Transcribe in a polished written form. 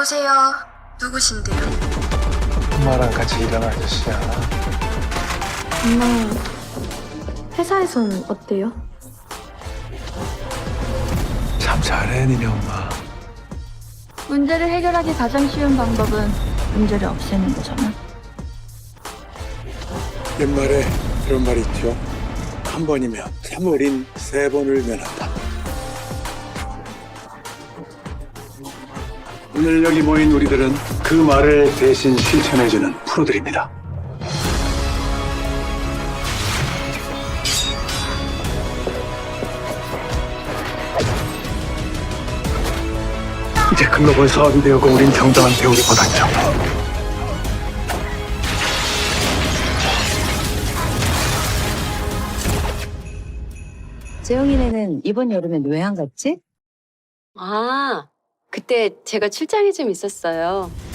여보세요. 누구신데요? 엄마랑 같이 일하는 아저씨야. 엄마, 회사에서는 어때요? 참 잘해, 니네 엄마. 문제를 해결하기 가장 쉬운 방법은 문제를 없애는 거잖아. 옛말에 이런 말이 있죠. 한 번이면 참 어린 세 번을 면한다. 오늘 여기 모인 우리들은 그 말을 대신 실천해주는 프로들입니다. 이제 글로벌 사업이 되었고 우린 정당한 배우를 받았죠. 재영이네는 이번 여름엔 왜 안 갔지? 아, 그때 제가 출장이 좀 있었어요.